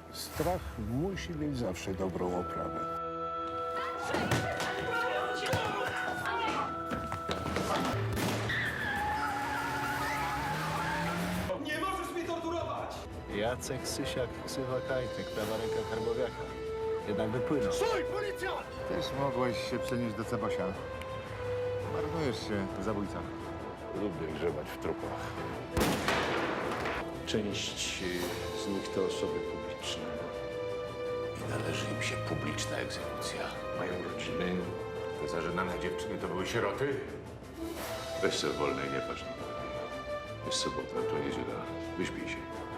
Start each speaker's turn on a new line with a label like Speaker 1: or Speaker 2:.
Speaker 1: Strach musi mieć zawsze dobrą oprawę.
Speaker 2: Nie możesz mnie torturować!
Speaker 3: Jacek Sysiak, ksywa Kajtek, prawa ręka Karbowiaka. Jednak wypłynął.
Speaker 4: Też mogłeś się przenieść do Cebasia. Marnujesz się, zabójca.
Speaker 1: Lubię grzebać w trupach.
Speaker 5: Część z nich to osoby publiczne.
Speaker 6: I należy im się publiczna egzekucja.
Speaker 5: Mają rodziny.
Speaker 6: Te zażenane dziewczyny to były sieroty? Weź sobie wolnej, nie patrz nikogo. Jest sobota, to niedziela. Wyśpij się.